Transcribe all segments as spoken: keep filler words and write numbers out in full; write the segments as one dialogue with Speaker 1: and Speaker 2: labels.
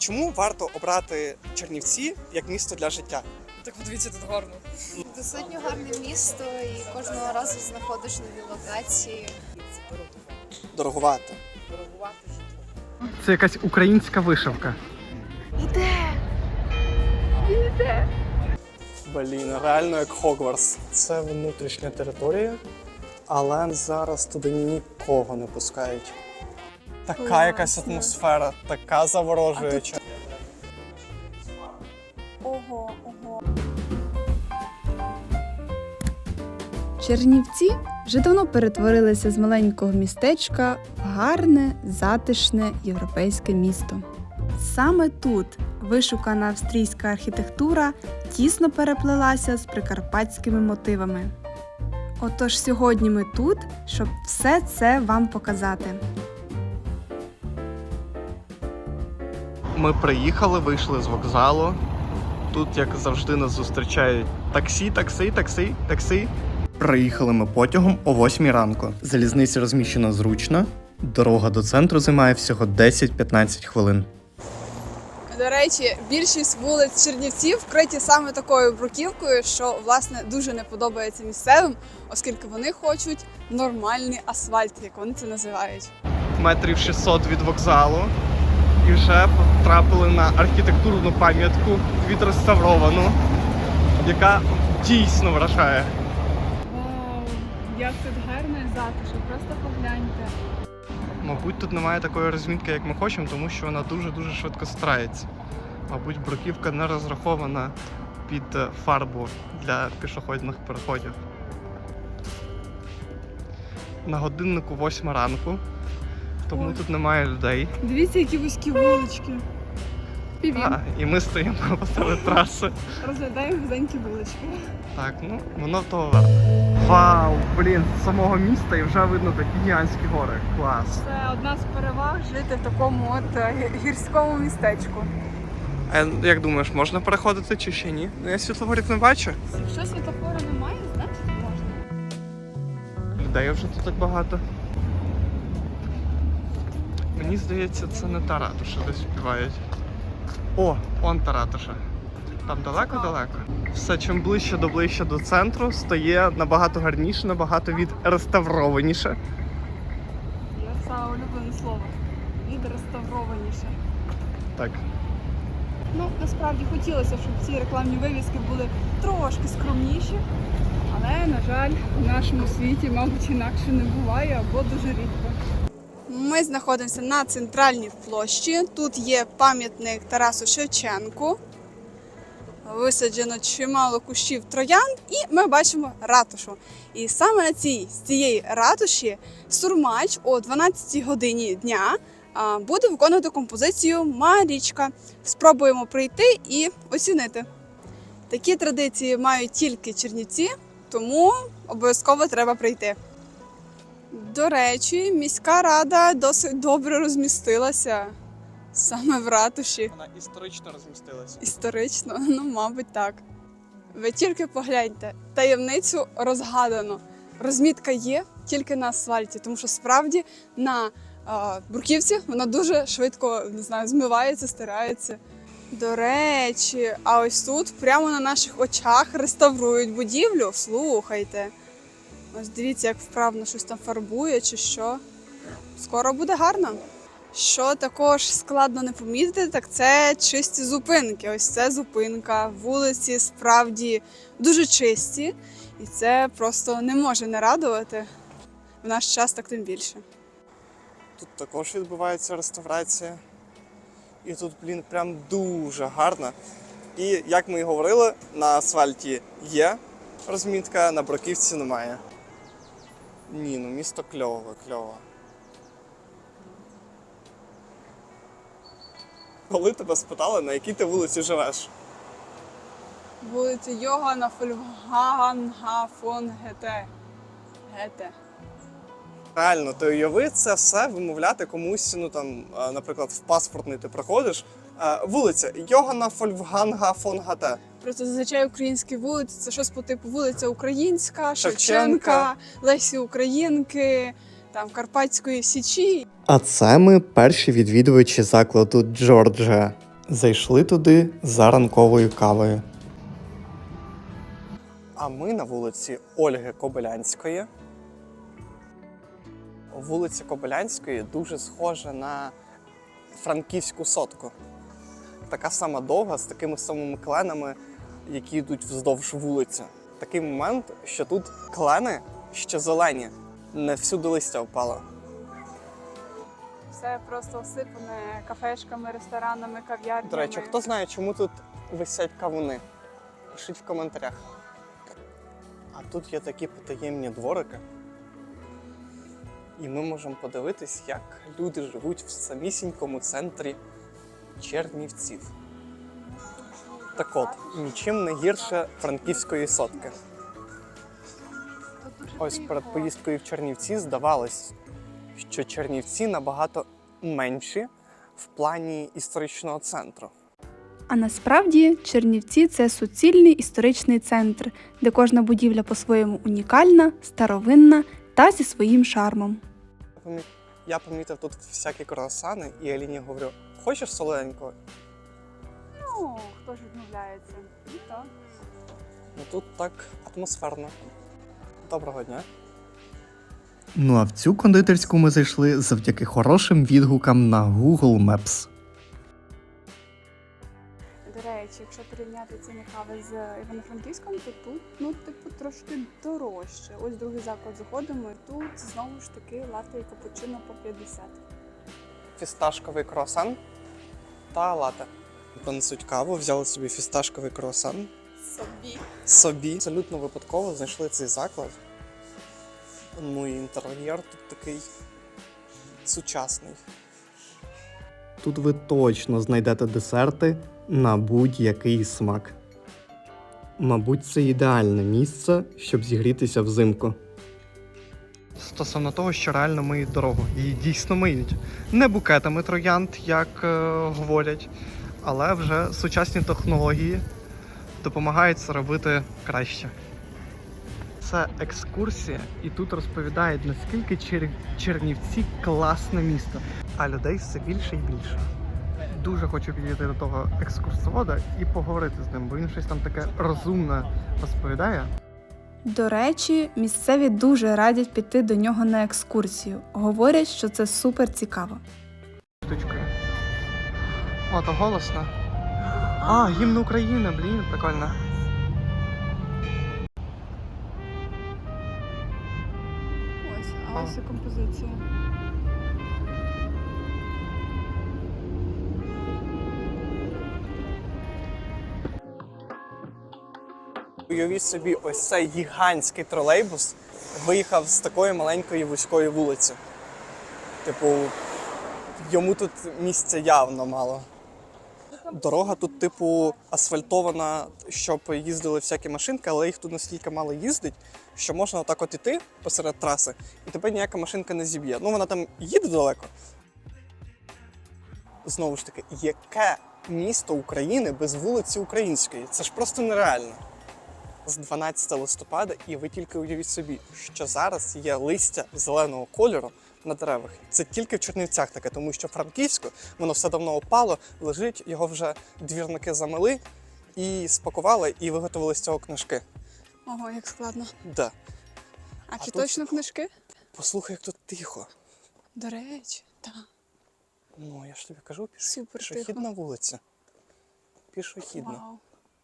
Speaker 1: Чому варто обрати Чернівці як місто для життя?
Speaker 2: Так подивіться, тут гарно.
Speaker 3: Достатньо гарне місто і кожного разу знаходиш нові локації.
Speaker 1: Дороговато.
Speaker 4: Це якась українська вишивка.
Speaker 1: Блін, реально як Хогвартс. Це внутрішня територія, але зараз туди нікого не пускають. Така
Speaker 3: Класно.
Speaker 1: якась атмосфера, така заворожуюча.
Speaker 3: Ого, ого.
Speaker 5: Чернівці вже давно перетворилися з маленького містечка в гарне, затишне європейське місто. Саме тут вишукана австрійська архітектура тісно переплелася з прикарпатськими мотивами. Отож сьогодні ми тут, щоб все це вам показати.
Speaker 4: Ми приїхали, вийшли з вокзалу. Тут, як завжди, нас зустрічають таксі, таксі, таксі, таксі. Приїхали ми потягом о восьмій ранку. Залізниця розміщена зручно. Дорога до центру займає всього десять-п'ятнадцять хвилин.
Speaker 2: До речі, більшість вулиць Чернівців вкриті саме такою бруківкою, що, власне, дуже не подобається місцевим, оскільки вони хочуть нормальний асфальт, як вони це називають.
Speaker 4: Метрів шістсот від вокзалу. І вже потрапили на архітектурну пам'ятку відреставровану, яка дійсно вражає.
Speaker 6: Вау, як тут гарно і затишно, просто погляньте.
Speaker 4: Мабуть, тут немає такої розмітки, як ми хочемо, тому що вона дуже-дуже швидко стирається. Мабуть, бруківка не розрахована під фарбу для пішохідних переходів. На годиннику восьма ранку, тому
Speaker 6: Ой.
Speaker 4: тут немає людей.
Speaker 6: Дивіться, які вузькі вулички. Півім.
Speaker 4: А, і ми стоїмо посеред траси.
Speaker 6: Розглядаємо вузенькі вулички.
Speaker 4: Так, ну, воно того варто. Вау, блін, з самого міста і вже видно такі гігантські гори. Клас.
Speaker 6: Це одна з переваг жити в такому от е, гірському містечку.
Speaker 1: А як думаєш, можна переходити чи ще ні? Ну, я світлофорів не бачу.
Speaker 6: Якщо світофору немає, значить можна.
Speaker 4: Людей вже тут так багато. Мені здається, це не та ратуша, де співають. О, он та ратуша. Там далеко-далеко. Все, чим ближче до ближче до центру, стає набагато гарніше, набагато відреставрованіше.
Speaker 6: Я саме улюблене слово. Відреставрованіше.
Speaker 4: Так.
Speaker 6: Ну, насправді хотілося, щоб ці рекламні вивіски були трошки скромніші. Але, на жаль, в нашому світі, мабуть, інакше не буває або дуже рідко.
Speaker 2: Ми знаходимося на центральній площі. Тут є пам'ятник Тарасу Шевченку. Висаджено чимало кущів троянд, і ми бачимо ратушу. І саме на цій, з цієї ратуші Сурмач о дванадцятій годині дня а, буде виконувати композицію «Марічка». Спробуємо прийти і оцінити. Такі традиції мають тільки Чернівці, тому обов'язково треба прийти. До речі, міська рада досить добре розмістилася саме в ратуші.
Speaker 1: Вона історично розмістилася.
Speaker 2: Історично, ну, мабуть, так. Ви тільки погляньте, таємницю розгадано. Розмітка є тільки на асфальті, тому що справді на е, бруківці вона дуже швидко, не знаю, змивається, стирається. До речі, а ось тут прямо на наших очах реставрують будівлю. Слухайте. Ось дивіться, як вправно щось там фарбує чи що. Скоро буде гарно. Що також складно не помітити, так це чисті зупинки. Ось це зупинка, вулиці справді дуже чисті. І це просто не може не радувати. В наш час так тим більше.
Speaker 1: Тут також відбувається реставрація. І тут, блін, прям дуже гарно. І, як ми і говорили, на асфальті є розмітка, на бруківці немає. Ні, ну місто кльове, кльове. Коли тебе спитали, на якій ти вулиці живеш?
Speaker 2: Вулиця Йогана Фольфганга фон Гете. Гете.
Speaker 1: Реально, ти уяви це все вимовляти комусь, ну там, а, наприклад, в паспортний ти приходиш. А, вулиця Йогана Фольфганга фон Гете.
Speaker 2: Просто зазвичай українські вулиці це щось по типу вулиця Українська,
Speaker 1: Шевченка.
Speaker 2: Шевченка, Лесі Українки, там Карпатської Січі.
Speaker 4: А це ми перші відвідувачі закладу Джорджа. Зайшли туди за ранковою кавою.
Speaker 1: А ми на вулиці Ольги Кобилянської. Вулиця Кобилянської дуже схожа на Франківську сотку. Така сама довга, з такими самими кленами, які йдуть вздовж вулиці. Такий момент, що тут клени ще зелені, не всюди листя впало.
Speaker 6: Все просто осипане кафешками, ресторанами, кав'ярнями.
Speaker 1: До речі, хто знає, чому тут висять кавуни? Пишіть в коментарях. А тут є такі потаємні дворики. І ми можемо подивитись, як люди живуть в самісінькому центрі Чернівців. Так от, нічим не гірше Франківської сотки. Ось перед поїздкою в Чернівці здавалось, що Чернівці набагато менші в плані історичного центру.
Speaker 5: А насправді Чернівці – це суцільний історичний центр, де кожна будівля по-своєму унікальна, старовинна та зі своїм шармом.
Speaker 1: Я помітив тут всякі круасани і Аліні говорю, хочеш солоденького?
Speaker 6: Ну, хто ж відмовляється? І так.
Speaker 1: Ну тут так атмосферно. Доброго дня.
Speaker 4: Ну а в цю кондитерську ми зайшли завдяки хорошим відгукам на Google Maps.
Speaker 6: До речі, якщо порівняти ціни кави з Івано-Франківськом, то тут, ну, типу, трошки дорожче. Ось другий заклад заходимо, і тут знову ж таки латте і капучино по п'ятдесят.
Speaker 1: Фісташковий круасан та лате. Принесуть каву, взяли собі фісташковий круасан.
Speaker 2: Собі.
Speaker 1: Собі. Абсолютно випадково знайшли цей заклад. Ну і інтер'єр тут такий сучасний.
Speaker 4: Тут ви точно знайдете десерти на будь-який смак. Мабуть, це ідеальне місце, щоб зігрітися взимку. Стосовно того, що реально миють дорогу. Її дійсно миють. Не букетами троянд, як е, говорять, але вже сучасні технології допомагають це робити краще. Це екскурсія, і тут розповідають, наскільки Чер... Чернівці класне місто, а людей все більше і більше. Дуже хочу підійти до того екскурсовода і поговорити з ним, бо він щось там таке розумне розповідає.
Speaker 5: До речі, місцеві дуже радять піти до нього на екскурсію. Говорять, що це супер цікаво.
Speaker 4: Штучкою. О, то голосно. А, гімн України, блін, прикольно.
Speaker 6: Ось, а ось і композиція.
Speaker 1: Уявіть собі, ось цей гігантський тролейбус виїхав з такої маленької вузької вулиці. Типу, йому тут місця явно мало. Дорога тут, типу, асфальтована, щоб їздили всякі машинки, але їх тут настільки мало їздить, що можна отак от іти посеред траси, і тебе ніяка машинка не зіб'є. Ну, вона там їде далеко. Знову ж таки, яке місто України без вулиці Української? Це ж просто нереально. З дванадцятого листопада, і ви тільки уявіть собі, що зараз є листя зеленого кольору на деревах. Це тільки в Чернівцях таке, тому що в Франківську воно все давно опало, лежить, його вже двірники замили і спакували, і виготовили з цього книжки.
Speaker 2: Ого, як складно.
Speaker 1: Да.
Speaker 2: А,
Speaker 1: А
Speaker 2: чи
Speaker 1: тут-
Speaker 2: точно книжки?
Speaker 1: Послухай, як тут тихо.
Speaker 2: До речі, так.
Speaker 1: Ну, я ж тобі кажу, піш...
Speaker 2: Супер
Speaker 1: пішохідна вулиця. Пішохідна.
Speaker 2: Вау.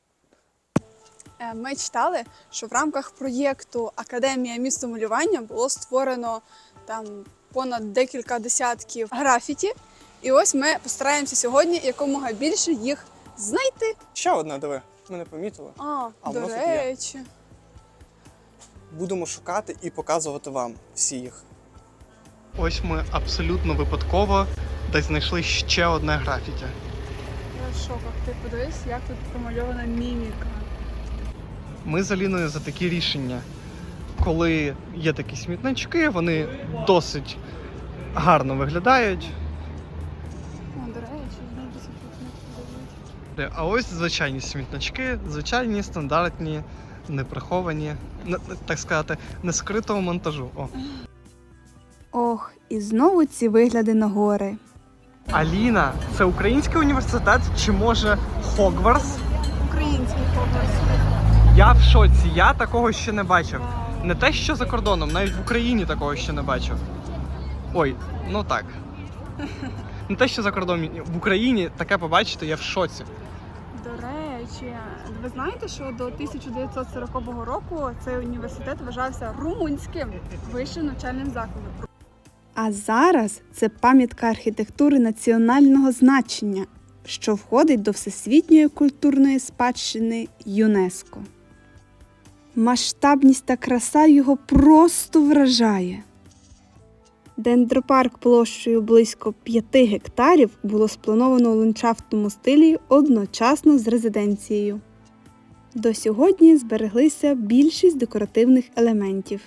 Speaker 2: Е, Ми читали, що в рамках проєкту Академія містомалювання було створено там понад декілька десятків графіті. І ось ми постараємося сьогодні якомога більше їх знайти.
Speaker 1: Ще одна, диви, ми не помітили.
Speaker 2: А,
Speaker 1: А
Speaker 2: до
Speaker 1: воно тут є.
Speaker 2: речі.
Speaker 1: Будемо шукати і показувати вам всі їх.
Speaker 4: Ось ми абсолютно випадково десь знайшли ще одне графіті.
Speaker 6: Я в шоках. Ти подивись, як тут промальована міміка.
Speaker 4: Ми з Аліною за такі рішення. Коли є такі смітнички, вони досить гарно виглядають.
Speaker 6: О, до речі, знову ці подивись.
Speaker 4: А ось звичайні смітнички, звичайні, стандартні, неприховані, не- так сказати, не скритого монтажу. О.
Speaker 5: Ох, і знову ці вигляди на гори.
Speaker 4: Аліна, це український університет чи може Хогвартс?
Speaker 6: Український Хогвартс.
Speaker 4: Я в шоці, я такого ще не бачив. Не те, що за кордоном, навіть в Україні такого ще не бачив. Ой, ну так. Не те, що за кордоном, в Україні таке побачити, я в шоці.
Speaker 6: До речі, ви знаєте, що до тисяча дев'ятсот сорокового року цей університет вважався румунським вищим навчальним закладом.
Speaker 5: А зараз це пам'ятка архітектури національного значення, що входить до Всесвітньої культурної спадщини ЮНЕСКО. Масштабність та краса його просто вражає. Дендропарк площею близько п'яти гектарів було сплановано у ландшафтному стилі одночасно з резиденцією. До сьогодні збереглися більшість декоративних елементів.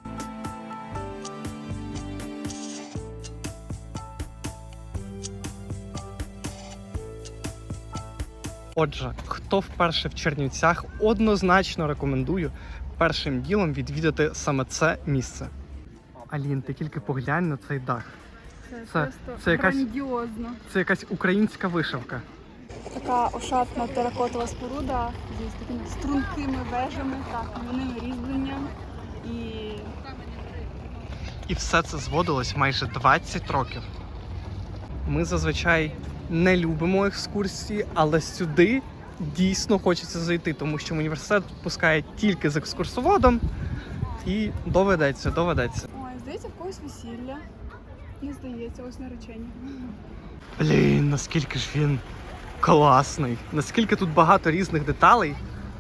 Speaker 4: Отже, хто вперше в Чернівцях, однозначно рекомендую першим ділом відвідати саме це місце. Алін, ти тільки поглянь на цей дах.
Speaker 6: Це,
Speaker 4: Це-
Speaker 6: просто
Speaker 4: це якась-
Speaker 6: грандіозно.
Speaker 4: Це якась українська вишивка.
Speaker 6: Така ошатна теракотова споруда з такими стрункими вежами, так, кам'яним різьбленням і
Speaker 4: І все це зводилось майже двадцять років. Ми зазвичай не любимо екскурсії, але сюди дійсно хочеться зайти, тому що університет пускає тільки з екскурсоводом і доведеться, доведеться.
Speaker 6: ой, здається, в когось весілля. Не здається, ось наречення.
Speaker 4: Блін, наскільки ж він класний, наскільки тут багато різних деталей.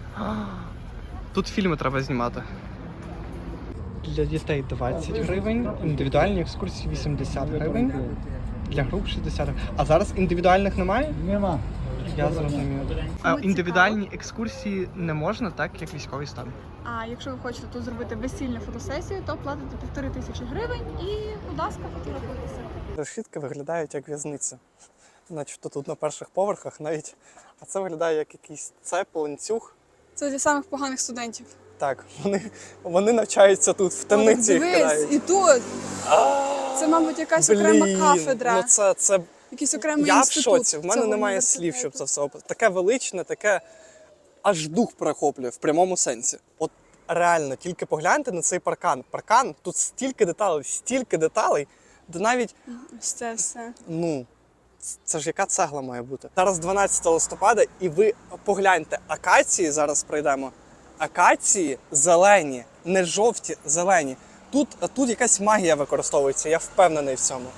Speaker 4: Тут фільми треба знімати. Для дітей двадцять гривень, індивідуальні екскурсії вісімдесят гривень, для груп шістдесят гривень. А зараз індивідуальних немає?
Speaker 7: Нема.
Speaker 4: Я зрозумів. А індивідуальні екскурсії не можна, так як військовий стан.
Speaker 6: А якщо ви хочете тут зробити весільну фотосесію, то платите півтори тисячі гривень і, будь ласка, фотографуйтеся.
Speaker 1: Решітки виглядають як в'язниця. Начебто тут на перших поверхах навіть. А це виглядає як якийсь цеп, ланцюг.
Speaker 2: Це для самих поганих студентів.
Speaker 1: Так, вони, вони навчаються тут, в темниці їх
Speaker 2: Дивись,
Speaker 1: кидають.
Speaker 2: і тут. Це, мабуть, якась окрема
Speaker 1: Блін,
Speaker 2: кафедра,
Speaker 1: ну це, це
Speaker 2: якийсь окремий
Speaker 1: я в
Speaker 2: інститут.
Speaker 1: шоці. В мене
Speaker 2: цього
Speaker 1: немає слів,
Speaker 2: університету.
Speaker 1: щоб це все описати. Таке величне, таке аж дух перехоплює в прямому сенсі. От реально, тільки погляньте на цей паркан. Паркан, тут стільки деталей, стільки деталей, де навіть,
Speaker 2: Ось це все.
Speaker 1: ну, це ж яка цегла має бути. Зараз дванадцяте листопада, і ви погляньте, акації, зараз пройдемо. Акації зелені, не жовті, зелені. Тут, тут якась магія використовується, я впевнений в цьому.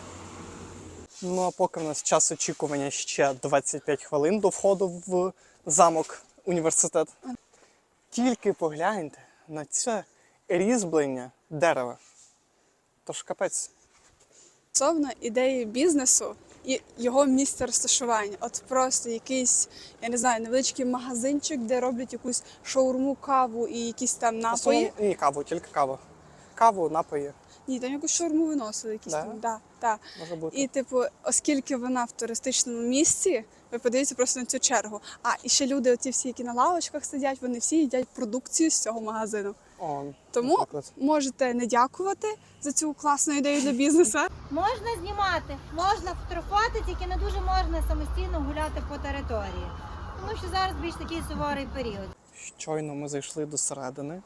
Speaker 1: Ну а поки в нас час очікування ще двадцять п'ять хвилин до входу в замок університет. Тільки погляньте на це різьблення дерева. Тож капець.
Speaker 2: Стосовно ідеї бізнесу і його місця розташування. От просто якийсь, я не знаю, невеличкий магазинчик, де роблять якусь шаурму, каву і якісь там
Speaker 1: В
Speaker 2: напої.
Speaker 1: основному ні, каву, тільки каву. Каву, напої,
Speaker 2: Ні, там якусь шаурму виносили, якісь
Speaker 1: Да?
Speaker 2: там. Да, да.
Speaker 1: може бути.
Speaker 2: І, типу, оскільки вона в туристичному місці, ви подивіться просто на цю чергу. А, і ще люди, оці всі, які на лавочках сидять, вони всі їдять продукцію з цього магазину.
Speaker 1: О,
Speaker 2: Тому
Speaker 1: наприклад.
Speaker 2: можете не дякувати за цю класну ідею для бізнесу.
Speaker 8: Можна знімати, можна фотографувати, тільки не дуже можна самостійно гуляти по території. Тому що зараз більш такий суворий період.
Speaker 1: Щойно ми зайшли до середини.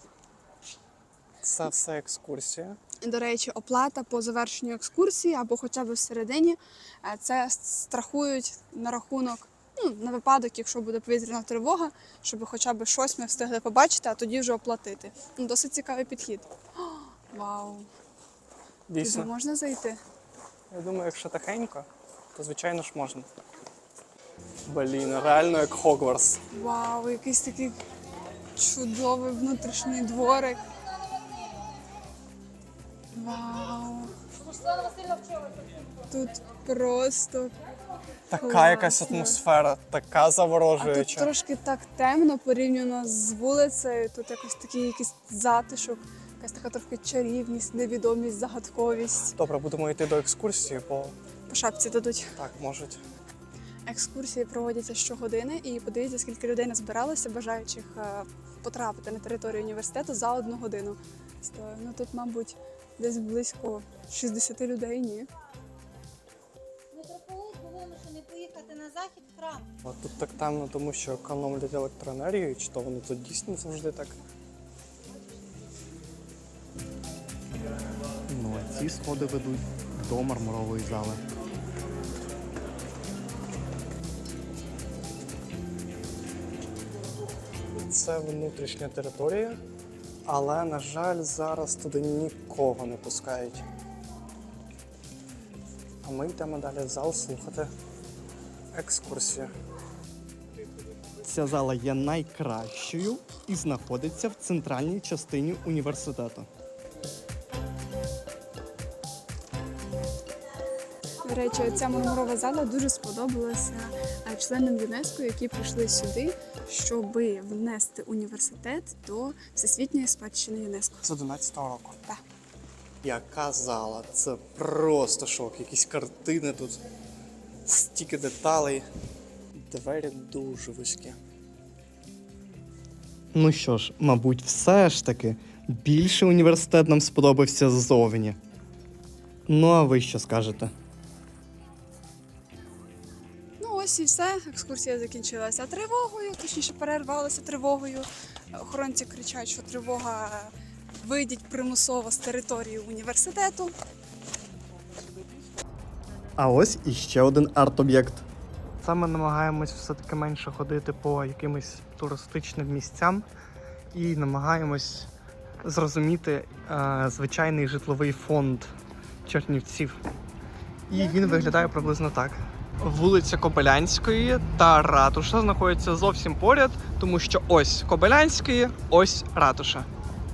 Speaker 1: Це все екскурсія.
Speaker 2: До речі, оплата по завершенню екскурсії або хоча б всередині, е, це страхують на рахунок, ну, на випадок, якщо буде повітряна тривога, щоб хоча б щось ми встигли побачити, а тоді вже оплатити. Ну, досить цікавий підхід. О, вау! Туди
Speaker 1: Дійсно.
Speaker 2: можна зайти?
Speaker 1: Я думаю, якщо тихенько, то звичайно ж можна. Блін, реально як Хогвартс.
Speaker 2: Вау, якийсь такий чудовий внутрішній дворик. Вау! Тут просто
Speaker 1: Така
Speaker 2: класно.
Speaker 1: якась атмосфера, така
Speaker 2: А тут
Speaker 1: заворожуюча.
Speaker 2: трошки так темно порівняно з вулицею. Тут якось такий якийсь затишок, якась така трохи чарівність, невідомість, загадковість.
Speaker 1: Добре, будемо йти до екскурсії, бо
Speaker 2: По шапці дадуть.
Speaker 1: так можуть.
Speaker 2: Екскурсії проводяться щогодини, і подивіться, скільки людей назбиралося, бажаючих е, потрапити на територію університету за одну годину. Сто- Ну тут, мабуть, десь близько шістдесят людей, ні.
Speaker 8: Митрополит Їдете на захід в храм.
Speaker 1: А тут так темно, тому що економлять електроенергію, чи то воно тут дійсно завжди так?
Speaker 4: Ну, а ці сходи ведуть до мармурової зали.
Speaker 1: Це внутрішня територія, але, на жаль, зараз туди нікого не пускають. А ми йдемо далі в зал слухати екскурсію.
Speaker 4: Ця зала є найкращою і знаходиться в центральній частині університету.
Speaker 2: До речі, ця мармурова зала дуже сподобалася е, членам ЮНЕСКО, які прийшли сюди, щоб внести університет до Всесвітньої спадщини ЮНЕСКо.
Speaker 1: З одинадцятого року.
Speaker 2: Так.
Speaker 1: Яка зала? Це просто шок. Якісь картини тут, стільки деталей. Двері дуже вузькі.
Speaker 4: Ну що ж, мабуть, все ж таки більше університет нам сподобався ззовні. Ну, а ви що скажете?
Speaker 2: Ну ось і все. Екскурсія закінчилася тривогою, точніше перервалася тривогою. Охоронці кричать, що тривога вийдіть примусово з території університету.
Speaker 4: А ось іще один арт-об'єкт. Саме намагаємось все-таки менше ходити по якимось туристичним місцям і намагаємось зрозуміти е, звичайний житловий фонд Чернівців. І він виглядає приблизно так. Вулиця Кобилянської та ратуша знаходяться зовсім поряд, тому що ось Кобилянської, ось ратуша.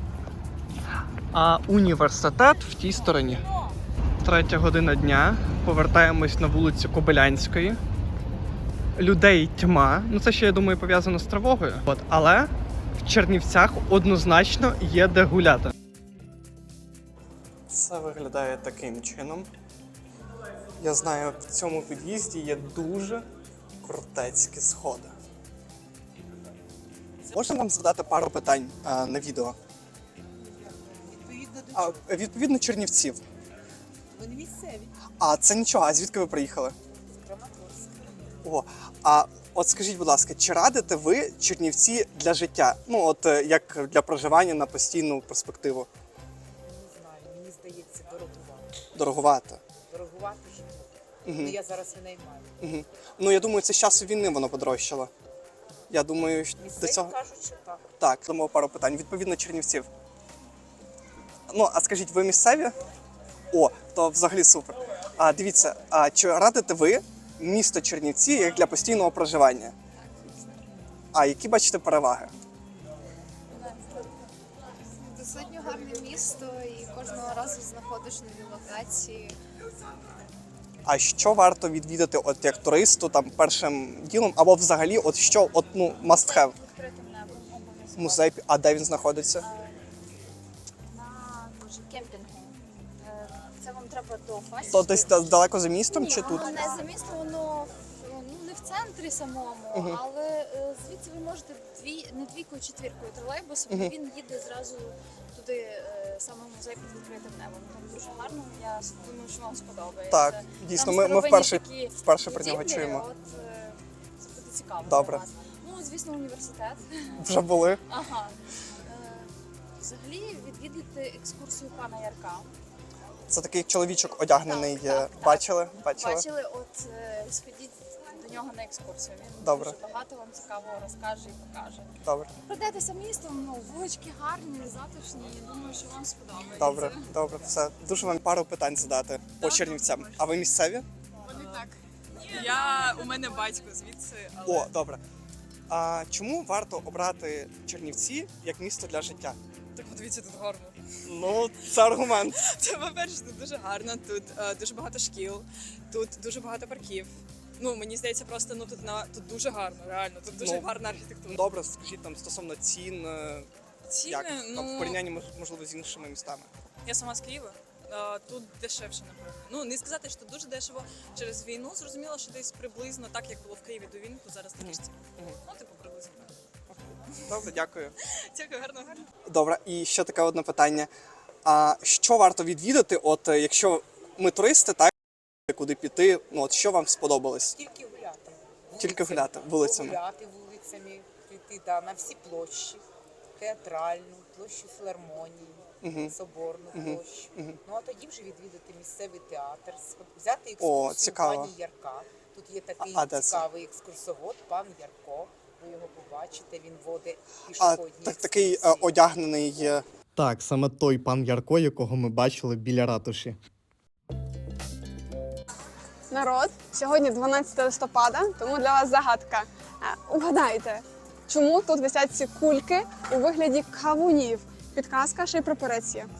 Speaker 4: А університет в тій стороні. Третя година дня. Повертаємось на вулицю Кобилянської. Людей тьма. Ну це ще, я думаю, пов'язано з тривогою. От, але в Чернівцях однозначно є де гуляти.
Speaker 1: Це виглядає таким чином. Я знаю, в цьому під'їзді є дуже крутецькі сходи. Можна вам задати пару питань а, на відео?
Speaker 7: Відповідно до
Speaker 1: А,
Speaker 7: чого?
Speaker 1: відповідно, Чернівців.
Speaker 7: Вони місцеві.
Speaker 1: А це нічого, а звідки ви приїхали?
Speaker 7: З Краматорська.
Speaker 1: О, а от скажіть, будь ласка, чи радите ви Чернівці для життя? Ну, от е, як для проживання на постійну перспективу?
Speaker 7: Не знаю, мені здається, дорогувати.
Speaker 1: Дороговато.
Speaker 7: Дорогувати житло.
Speaker 1: Угу.
Speaker 7: Ну, я зараз винаймаю.
Speaker 1: Угу. Ну, я думаю, це з часу війни воно подорожчало. Я думаю, що до
Speaker 7: Місцеві
Speaker 1: цього...
Speaker 7: кажуть, що так.
Speaker 1: Так, дамо пару питань. Відповідно, Чернівців. Ну, а скажіть, ви місцеві? О, то взагалі супер. А дивіться, а чи радите ви місто Чернівці як для постійного проживання? А які бачите переваги?
Speaker 3: Достатньо гарне місто і кожного разу знаходиш нові локації.
Speaker 1: А що варто відвідати от як туристу там першим ділом, або взагалі, от що от ну must have?
Speaker 3: Відкритим небом обов'язково.
Speaker 1: Музей, а де він знаходиться?
Speaker 3: На дуже кемпінгу. Е, Це вам треба до Фастівської.
Speaker 1: То десь да- далеко за містом чи тут?
Speaker 3: Воно не за місто, воно в- ну, не в центрі самому,
Speaker 1: Мгм.
Speaker 3: але е, звідси ви можете дві, не двійкою, четвіркою тролейбусом,
Speaker 1: Мгм.
Speaker 3: він їде зразу туди, е, саме в музей під відкритим небом. Там дуже гарно, я думаю, що вам сподобається.
Speaker 1: Так, дійсно,
Speaker 3: Там
Speaker 1: ми, ми
Speaker 3: старовинні
Speaker 1: вперше,
Speaker 3: такі
Speaker 1: вперше про нього
Speaker 3: будівлі,
Speaker 1: чуємо.
Speaker 3: От, е, це буде цікаво.
Speaker 1: Добре.
Speaker 3: для вас. Ну, звісно, університет.
Speaker 1: Вже були.
Speaker 3: Ага. Е, Взагалі відвідуйте екскурсію пана Ярка.
Speaker 1: Це такий чоловічок одягнений.
Speaker 3: Так,
Speaker 1: є.
Speaker 3: так, так.
Speaker 1: Бачили? Бачили?
Speaker 3: Бачили, от е, сходіть до нього на екскурсію. Він
Speaker 1: Добре.
Speaker 3: дуже багато вам цікавого розкаже і покаже.
Speaker 1: Добре.
Speaker 3: Пройдетеся містом, ну, вулички гарні, затишні. Я думаю, що вам сподобається.
Speaker 1: Добре, добре, все. Дуже вам пару питань задати по Чернівцям. А ви місцеві?
Speaker 9: Вони так. Я у мене батько звідси, але
Speaker 1: О, добре. А чому варто обрати Чернівці як місто для життя?
Speaker 9: так подивіться, тут гарно.
Speaker 1: Ну, це аргумент.
Speaker 9: Це, по-перше, тут дуже гарно, тут е, дуже багато шкіл, тут дуже багато парків. Ну, мені здається, просто ну тут на тут дуже гарно, реально, тут дуже
Speaker 1: Ну,
Speaker 9: гарна архітектура.
Speaker 1: Добре, скажіть там стосовно цін, е,
Speaker 9: Ціни,
Speaker 1: як там, в
Speaker 9: ну
Speaker 1: порівнянні мож- можливо з іншими містами.
Speaker 9: я сама з Києва. е, Тут дешевше, напевно. Ну не сказати, що тут дуже дешево через війну. Зрозуміло, що десь приблизно так, як було в Києві до війни, то зараз такі ж ціни.
Speaker 1: Мгм.
Speaker 9: Ну, типу, приблизно.
Speaker 1: Добре, дякую.
Speaker 9: Дякую, гарно, гарно.
Speaker 1: Добре, і ще таке одне питання. А що варто відвідати, от е, якщо ми туристи, так куди піти? Ну от що вам сподобалось?
Speaker 7: Тільки гуляти.
Speaker 1: Тільки гуляти вулицями.
Speaker 7: Гуляти вулицями, прийти да, на всі площі, театральну, площу філармонії,
Speaker 1: Мгм.
Speaker 7: соборну
Speaker 1: Мгм.
Speaker 7: площу.
Speaker 1: Мгм.
Speaker 7: Ну а тоді вже відвідати місцевий театр, сход- взяти
Speaker 1: О,
Speaker 7: екскурсію
Speaker 1: цікаво.
Speaker 7: пані Ярка. Тут є такий
Speaker 1: А- а де це?
Speaker 7: цікавий екскурсовод, пан Ярко. Ви його побачите, він водить
Speaker 1: А
Speaker 7: пішохідні
Speaker 1: так, такий е,
Speaker 7: екскурсії.
Speaker 1: одягнений е,
Speaker 4: Так, саме той пан Ярко, якого ми бачили біля ратуші.
Speaker 2: Народ, сьогодні дванадцяте листопада, тому для вас загадка. Е, Угадайте, чому тут висять ці кульки у вигляді кавунів? Підказка, ще й прапорець є.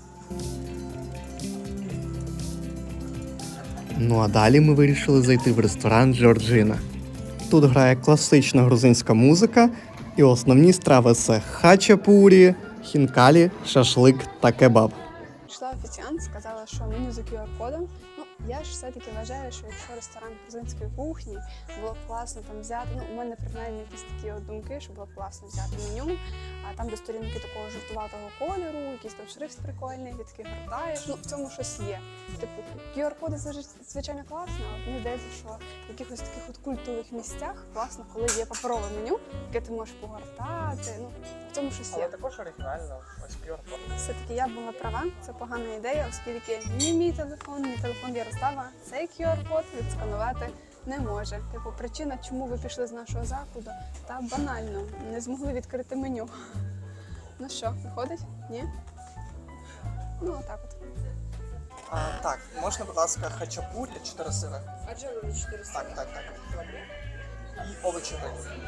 Speaker 4: Ну а далі ми вирішили зайти в ресторан Джорджина. Тут грає класична грузинська музика, і основні страви це хачапурі, хінкалі, шашлик та кебаб.
Speaker 2: Прийшла офіціант, сказала, що меню за ку ар-кодом. Ну, я ж все-таки вважаю, що якщо ресторан грузинської кухні, було б класно там взяти. Ну, у мене принаймні якісь такі от думки, що було б класно взяти меню, а там, де сторінки такого жовтуватого кольору, якийсь там шрифт прикольний, ти такий гортаєш. Ну, в цьому щось є. Типу, ку ар-коди звичайно класно, але мені здається, що в якихось таких от культових місцях класно, коли є паперове меню, яке ти можеш погортати. Ну, в цьому щось є.
Speaker 1: також оригінально. Ось ку ар-код.
Speaker 2: Все-таки я була права, це погана ідея, оскільки ні мій телефон, ні телефон Ярослава цей ку ар-код відсканувати не може. Типу, причина, чому ви пішли з нашого закладу, та банально, не змогли відкрити меню. Ну що, виходить? Ні? Ну, отак от.
Speaker 1: А, так, можна, будь ласка, хачапурі, чотири сири.
Speaker 9: А джерело чотири
Speaker 1: Так, так, так. І овочі гриль.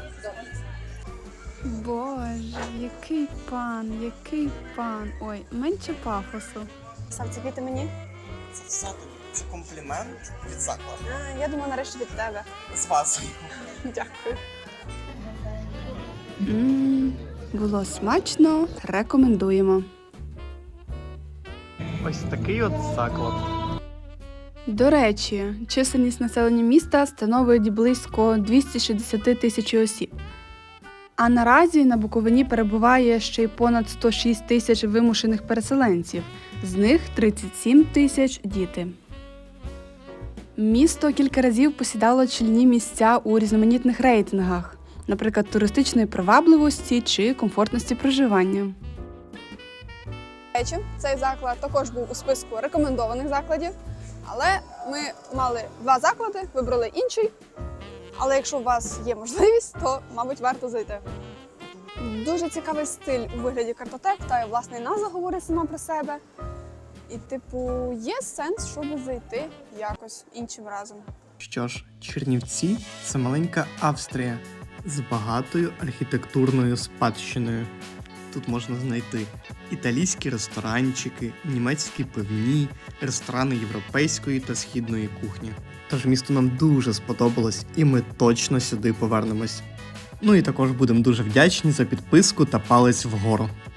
Speaker 5: Боже, який пан, який пан. Ой, менше пафосу.
Speaker 2: Сам це квіти мені?
Speaker 1: Це все тобі. Це комплімент від закладу.
Speaker 2: А, я думаю, нарешті від тебе.
Speaker 1: З вазою.
Speaker 2: Дякую.
Speaker 5: Ммм, було смачно, рекомендуємо.
Speaker 4: Ось такий от заклад.
Speaker 5: До речі, чисельність населення міста становить близько двісті шістдесят тисяч осіб. А наразі на Буковині перебуває ще й понад сто шість тисяч вимушених переселенців, з них тридцять сім тисяч – діти. Місто кілька разів посідало чільні місця у різноманітних рейтингах, наприклад, туристичної привабливості чи комфортності проживання.
Speaker 2: До речі, цей заклад також був у списку рекомендованих закладів, але ми мали два заклади, вибрали інший. Але якщо у вас є можливість, то, мабуть, варто зайти. Дуже цікавий стиль у вигляді картотек, та й власне і назва говорить сама про себе. І, типу, є сенс, щоб зайти якось іншим разом.
Speaker 4: Що ж, Чернівці – це маленька Австрія з багатою архітектурною спадщиною. Тут можна знайти італійські ресторанчики, німецькі пивні, ресторани європейської та східної кухні. Тож місто нам дуже сподобалось, і ми точно сюди повернемось. Ну і також будемо дуже вдячні за підписку та палець вгору.